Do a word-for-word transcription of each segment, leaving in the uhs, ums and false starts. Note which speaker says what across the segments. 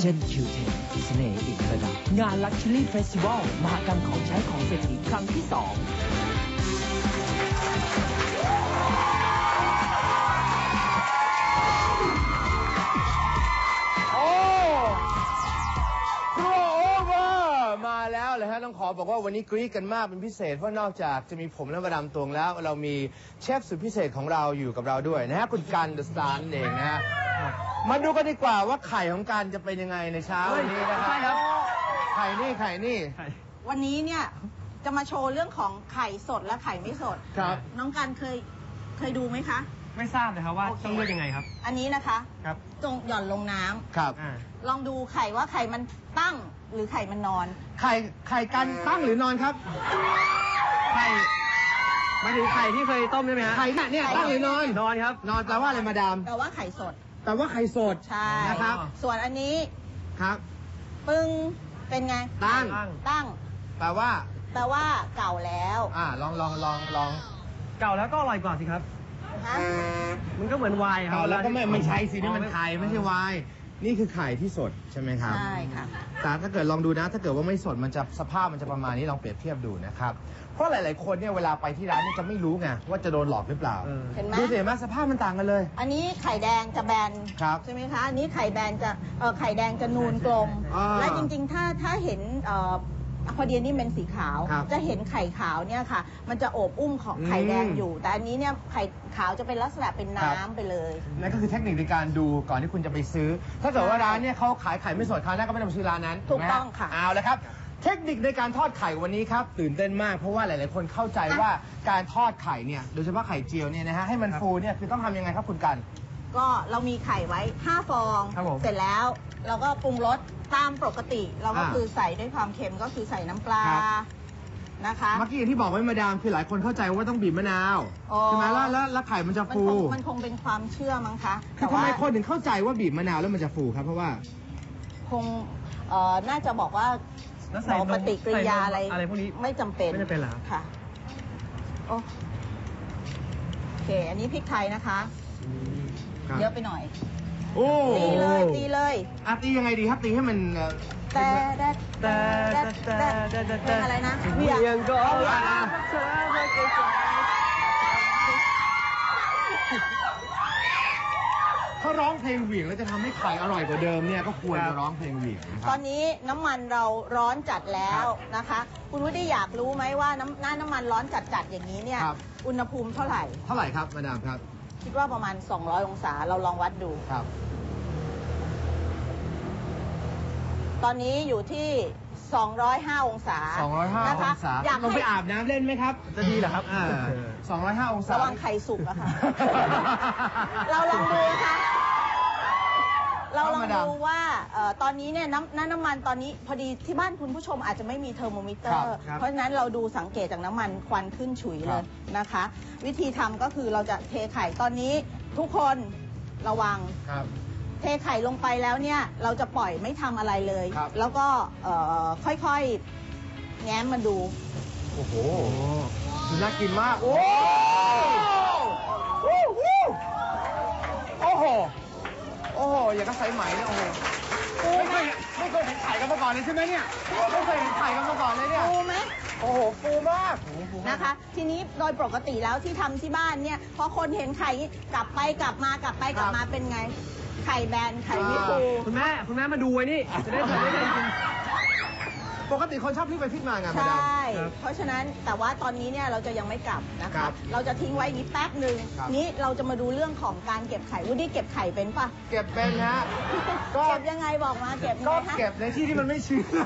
Speaker 1: จน คิว เท็น เสน่ห์อีกระดับงาน Luxury Festival มหกรรมของใช้ของเศรษฐีครั้งที่สอง
Speaker 2: มาแล้วเลยฮะต้องขอบอกว่าวันนี้กรี๊ดกันมากเป็นพิเศษเพราะนอกจากจะมีผมและมาดามตวงแล้วเรามีเชฟสุดพิเศษของเราอยู่กับเราด้วยนะฮะคุณกันเดอะสตาร์นั่นเองนะฮะมาดูกันดีกว่าว่าไข่ของกันจะเป็นยังไงในเช้าวันนี้นะครับไข่นี่ไข่นี่
Speaker 3: วันนี้เนี่ยจะมาโชว์เรื่องของไข่สดและไข่ไม่สด
Speaker 2: ครับ
Speaker 3: น้องกันเคยเคยดูไหมคะ
Speaker 4: ไม่ทราบเลยครับว่าต้องเลือกยังไงครับ
Speaker 3: อันนี้นะคะ
Speaker 4: ครับ
Speaker 3: จงหย่อนลงน้ำ
Speaker 2: ครับ
Speaker 3: ลองดูไข่ว่าไข่มันตั้งหรือไข่มันนอน
Speaker 2: ไข่ไข่กันตั้งหรือนอนครับ
Speaker 4: ไข่มาถึงไข่ที่เคยต้มใช่ไหมฮะ
Speaker 2: ไข่เนี่ยตั้งหรือนอน
Speaker 4: นอนครับ
Speaker 2: นอนแปลว่าอะไรมาดาม
Speaker 3: แปลว่าไข่สด
Speaker 2: แปลว่าไข่สด
Speaker 3: ใช่
Speaker 2: นะครับ
Speaker 3: ส่วนอันนี้
Speaker 2: ครับ
Speaker 3: ปึ้งเป็นไง
Speaker 2: ตั้ง
Speaker 3: ตั้ง
Speaker 2: แปลว่า
Speaker 3: แปลว่าเก่าแล้ว
Speaker 2: อ่าลองลองลองลอง
Speaker 4: เก่าแล้วก็อร่อยกว่าสิครับมันก็เหมือนไวน์ครับ
Speaker 2: เก่าแล้วก็ไม่ไม่ใช่สินี่มันไข่ไม่ใช่ไวน์นี่คือไข่ที่สดใช่ไหมครับ
Speaker 3: ใช่ค่ะ
Speaker 2: แต่ถ้าเกิดลองดูนะถ้าเกิดว่าไม่สดมันจะสภาพมันจะประมาณนี้ลองเปรียบเทียบดูนะครับเพราะหลายๆคนเนี่ยเวลาไปที่ร้านนี่จะไม่รู้ไงว่าจะโดนหลอกหรือเปล่า
Speaker 3: เห็นไหม
Speaker 2: ดูสิเห็นไหมสภาพมันต่างกันเลย
Speaker 3: อันนี้ไข่แดงจะแบนใช่ไหมคะอันนี้ไข่แบนจะเออไข่แดงจะนูนกลมและจริงๆถ้าถ้าเห็นเอ่อพอดีนี่เป็นสีขาวจะเห็นไข่ขาวเนี่ยค่ะมันจะโอบอุ้มของไข่แดงอยู่แต่อันนี้เนี่ยไข่ขาวจะเป็นลักษณะเป็นน้ำไปเลย
Speaker 2: นั่นก็คือเทคนิคในการดูก่อนที่คุณจะไปซื้อถ้าเกิดว่าร้านเนี่ยเขาขายไข่ไม่สดคราวหน้าก็ไม่ต้องไปซื้อร้านนั้น
Speaker 3: ถูกต้องค่ะ
Speaker 2: เอาละครับเทคนิคในการทอดไข่วันนี้ครับตื่นเต้นมากเพราะว่าหลายๆคนเข้าใจว่าการทอดไข่เนี่ยโดยเฉพาะไข่เจียวเนี่ยนะฮะให้มันฟูเนี่ยคือต้องทำยังไงครับคุณกัน
Speaker 3: ก็เรามีไข่ไว้ห้าฟองเสร็จแล้วเราก็ปรุงรสตามปกติเราก็คือใส่ด้วยความเค็มก็คือใส่น้ำปลานะคะ
Speaker 2: เมื่อกี้อย่างที่บอกไว้มาดามคือหลายคนเข้าใจว่าต้องบีบมะนาวใช่ไหมแล้วแล้วไข่มันจะฟู
Speaker 3: มันคงเป็นความเชื่อมั้งคะ
Speaker 2: คือทำไมคนถึงเข้าใจว่าบีบมะนาวแล้วมันจะฟูครับเพราะว่า
Speaker 3: คงเอ่อน่าจะบอกว่าปฏิกิริยาอะไร
Speaker 4: อะไรพวกนี้
Speaker 3: ไม่จำเป็น
Speaker 4: ไม่จำเป็นหรอ
Speaker 3: ค่ะโอเคอันนี้พริกไทยนะคะเยอะไปหน่อย
Speaker 2: โอ้
Speaker 3: ตีเลยตีเลย
Speaker 2: อ่ะตียังไงดีครับตีให้มัน
Speaker 3: แต่แต่แต่แต่แต่อะไรนะ
Speaker 4: เวียงก็
Speaker 2: เขาร้องเพลงเหวี่ยงแล้วจะทำให้ไข่อร่อยกว่าเดิมเนี่ยก็ควรจะร้องเพลงเหวี่ยง
Speaker 3: ตอนนี้น้ำมันเราร้อนจัดแล้วนะคะคุณวุฒิอยากรู้ไหมว่าน้ำหน้าน้ำมันร้อนจัดๆอย่างนี้เนี่ยอุณหภูมิเท่าไหร่
Speaker 2: เท่าไหร่ครับมาดามครับ
Speaker 3: คิดว่าประมาณสองร้อยองศาเราลองวัดดู
Speaker 2: ครับ
Speaker 3: ตอนนี้อยู่ที่สองร้อยห้าองศา
Speaker 2: สองร้อยห้าองศาอยากลงไปอาบน้ำเล่นไหมครับ
Speaker 4: จะดีเหรอครับ
Speaker 2: สองร้อยห้าองศา
Speaker 3: ระวังไข่สุกอะค่ะเราลองดูค่ะเราลองดูว่าตอนนี้เนี่ยน้ำน้ำมันตอนนี้พอดีที่บ้านคุณผู้ชมอาจจะไม่มีเทอร์โมมิเตอร์เพราะฉะนั้นเราดูสังเกตจากน้ำมันควันขึ้นฉุยเลยนะคะวิธีทำก็คือเราจะเทไข่ตอนนี้ทุกคนระวังเทไข่ลงไปแล้วเนี่ยเราจะปล่อยไม่ทำอะไรเลยแล้วก็ค่อยๆแง้มมาดู
Speaker 2: โอ้โหน่ากินมากโอ้โหโอ้โหโอ้โหอย่างกับไซไหมเนี่ยโอ้โหไม่เคยไม่เคยเห็นไข่กันมาก่อนเลยใช่ไหมเนี่ยไม่เคยเห็นไข่กันมาก่อนเลยเนี่ย
Speaker 3: ฟูไหม
Speaker 2: โอ้โหฟูมาก
Speaker 3: นะคะทีนี้โดยปกติแล้วที่ทำที่บ้านเนี่ยพอคนเห็นไข่กลับไปกลับมากลับไปกลับมาเป็นไงไข่แบนไข่ไม่ฟู
Speaker 4: คุณแม่คุณแม่มาดูไว้นี่จะได้ทำได้จริง
Speaker 2: ปกติคนชอบพลิกไปพลิกมาไง
Speaker 3: ใช่เพราะฉะนั้นแต่ว่าตอนนี้เนี่ยเราจะยังไม่กลับนะคะเราจะทิ้งไว้นี้แป๊บหนึ่งนี้เราจะมาดูเรื่องของการเก็บไข่วุฒิเก็บไข่เป็นปะ
Speaker 2: เก็บเป็นฮะ
Speaker 3: ก็เก็บยังไงบอกมาเก็บ
Speaker 2: ก็เก็บในที่ที่มันไม่ชื้น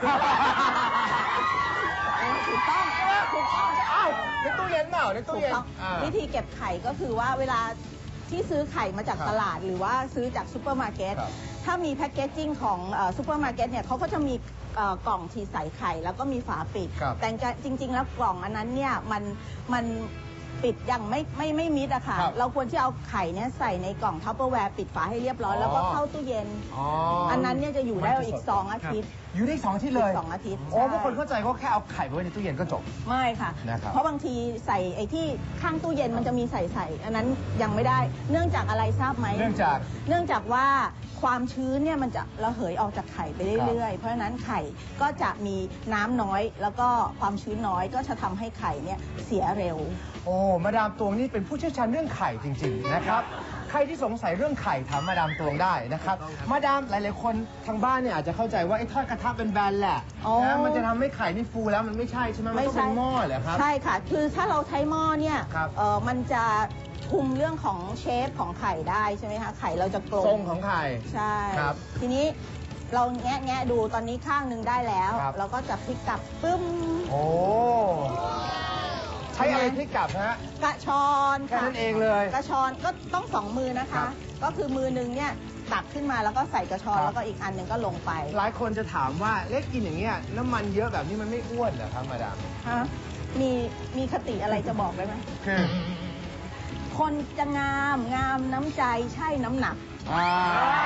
Speaker 3: ถูกต้องถูกต้อง
Speaker 2: อ้าวในตู้เย็นเปล่าในตู้เย็น
Speaker 3: วิธีเก็บไข่ก็คือว่าเวลาที่ซื้อไข่มาจากตลาดหรือว่าซื้อจากซูเปอร์มาร์เก็ตถ้ามีแพ็กเกจจิ้งของซูเปอร์มาร์เก็ตเนี่ยเขาก็จะมีกล่องที่ใส่ไข่แล้วก็มีฝาปิดแต่จริงๆแล้วกล่องอันนั้นเนี่ยมันมันปิดยังไม่ไม่ไม่มิดอะค่ะเราควรที่เอาไข่เนี่ยใส่ในกล่องทัพเปอร์แวร์ปิดฝาให้เรียบร้อยแล้วก็เข้าตู้เย็นอันนั้นเนี่ยจะอยู่ได้อีกสองอาทิตย์
Speaker 2: อยู่ได้อีกสองอาทิตย์เลย
Speaker 3: อีกสองอาทิตย์
Speaker 2: โอ้
Speaker 3: ใช่
Speaker 2: เพราะคนเข้าใจว่าแค่เอาไข่ไปไว้ในตู้เย็นก็จบ
Speaker 3: ไม่ค่ะ
Speaker 2: นะครับ
Speaker 3: เพราะบางทีใส่ไอ้ที่ข้างตู้เย็นมันจะมีใส่ใส่อันนั้นยังไม่ได้ เนื่องจากอะไรทราบไหม
Speaker 2: เนื่องจาก
Speaker 3: เนื่องจากว่าความชื้นเนี่ยมันจะระเหยออกจากไข่ไปเรื่อยๆ เพราะฉะนั้นไข่ก็จะมีน้ำน้อย แล้วก็ความชื้นน้อยก็จะทำให้ไข่เนี่ยเสียเร็ว
Speaker 2: โอ้มาดามตวงนี่เป็นผู้เชี่ยวชาญเรื่องไข่จริงๆนะครับใครที่สงสัยเรื่องไข่ถามมาดามตวงได้นะครับมาดามหลายๆคนทางบ้านเนี่ยอาจจะเข้าใจว่าไอ้ทอดกระทะเป็นแบนแหละ
Speaker 3: อ๋อ
Speaker 2: นะมันจะทำให้ไข่นี่ฟูแล้วมันไม่ใช่ใช่ไหมมันต้องเป็นหม้อเหรอครับ
Speaker 3: ใช่ค่ะ คือถ้าเราใช้หม้อเนี่ย
Speaker 2: ครับ
Speaker 3: เออมันจะคุมเรื่องของเชฟของไข่ได้ใช่ไหมคะ ไข่เราจะกลม
Speaker 2: ทรงของไข่
Speaker 3: ใช่
Speaker 2: ครับ
Speaker 3: ทีนี้เราแงะแงะดูตอนนี้ข้างหนึ่งได้แล้ว
Speaker 2: ครับ
Speaker 3: เราก็จะพลิกกลับปึ้ม
Speaker 2: โอ้ใช้อะไรพลิกกลับฮะ
Speaker 3: กระชอน
Speaker 2: แค่
Speaker 3: ค่ะ
Speaker 2: นั้นเองเลย
Speaker 3: กระชอนก็ต้องสองมือนะ
Speaker 2: ครั
Speaker 3: คะ
Speaker 2: บ
Speaker 3: ก็คือมือหนึงเนี่ยตักขึ้นมาแล้วก็ใส่กระชอน
Speaker 2: ครับ
Speaker 3: แล้วก็อีกอันหนึ่งก็ลงไป
Speaker 2: หลายคนจะถามว่าเล็กกินอย่างเงี้ยน้ำมันเยอะแบบนี้มันไม่อ้วนเหรอครับมาดาม
Speaker 3: ฮะ มีมีคติอะไรจะบอกได้ไหม
Speaker 2: คือ
Speaker 3: คนจะงามงามน้ำใจใช่น้ำหนัก
Speaker 2: อ่า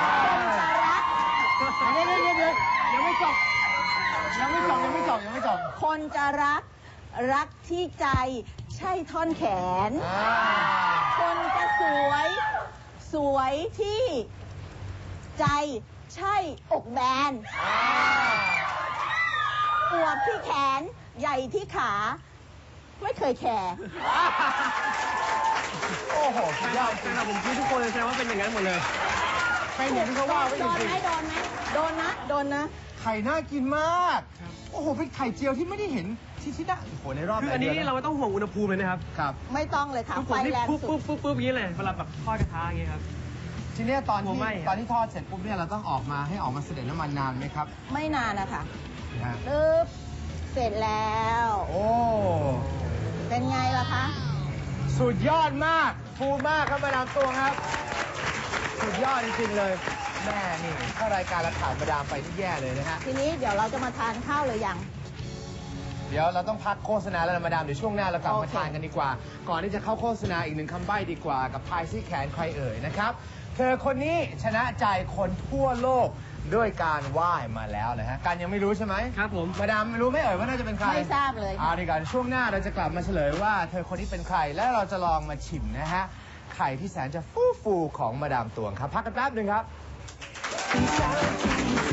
Speaker 3: คนจะรัก
Speaker 2: เดี๋ยวเดี๋ยวเดี๋ยวยังไม่จบยังไม่จบยังไม่จบยังไม่จบ
Speaker 3: คนจะรักรักที่ใจใช่ท่อนแขน
Speaker 2: อ่า
Speaker 3: คนจะสวยสวยที่ใจใช่อกแบน
Speaker 2: อ่า
Speaker 3: อวบที่แขนใหญ่ที่ขา ไม่เคยแคร์
Speaker 2: โอ้โหสุดยอดจริ
Speaker 4: แต่
Speaker 2: ง
Speaker 4: เราผมคิดทุกคนเลยแสดงว่าเป็นอย่างนั้นหมดเลย
Speaker 2: เป็นอย่างที่เขาว่าไว้จ
Speaker 3: โดน
Speaker 2: ริง
Speaker 3: ไหมโดนไหมโดนนะโดนนะ
Speaker 2: ๆไข่น่ากินมาก โอ้โหเป็นไข่เจียวที่ไม่ได้เห็นที่ที่ได้โอ้โหในรอบ
Speaker 4: คืออันนี้นี่เราไม่ต้องห่วงอุณหภูมิเลยนะครับ
Speaker 2: ครับ
Speaker 3: ไม่ต้องเลยค่ะ
Speaker 4: คือผ
Speaker 3: ไฟ
Speaker 4: มนี่
Speaker 3: แรง
Speaker 4: ปุ๊บ
Speaker 3: สุ
Speaker 4: ปุ๊
Speaker 3: ด
Speaker 4: บปุ๊บปุ๊บอย่างนี้เลยเวลาแบบทอดกระทะอย่างเงี้ยครับ
Speaker 2: ทีเนี้ยตอน
Speaker 4: หั
Speaker 2: ที่
Speaker 4: วไหม้อะ
Speaker 2: ตอนที่ทอดเสร็จปุ๊บเนี่ยเราต้องออกมาให้ออกมาเสด็จน้ำมันนานไหมครับ
Speaker 3: ไม่นานนะคะ
Speaker 2: นะฮะ
Speaker 3: ปึ๊บเสร็จแล้ว
Speaker 2: โอ้
Speaker 3: เป็นไงล่ะคะ
Speaker 2: สุดยอดมากฟูมากครับมาดามตวงครับ สุดยอดจริงๆเลยแม่นี่ถ้ารายการเราขาดมาดามไปนี่แย่เลยนะฮะ
Speaker 3: ทีนี้เดี๋ยวเราจะมาทานข้าวเลยยัง
Speaker 2: เดี๋ยวเราต้องพักโฆษณาแล้วนะมาดามเดี๋ยวช่วงหน้าเรากลับ
Speaker 3: โอ
Speaker 2: มา
Speaker 3: เค
Speaker 2: ทานกันดีกว่า ก่อนที่จะเข้าโฆษณาอีกหนึ่งคำใบ้ดีกว่ากับพายซี่แขนใครเอ่ยนะครับ เธอคนนี้ชนะใจคนทั่วโลกด้วยการว่ายมาแล้วนะฮะการยังไม่รู้ใช่ไหม
Speaker 4: ครับผม
Speaker 2: มาดามรู้ไหมเอ่ยว่าน่าจะเป็นใคร
Speaker 3: ไม่ทราบเลย
Speaker 2: เอาดีกว่าช่วงหน้าเราจะกลับมาเฉลยว่าเธอคนนี้เป็นใครและเราจะลองมาชิมนะฮะไข่ที่แสนจะฟูฟูๆของมาดามตวงครับพักกันแป๊บหนึ่งครับ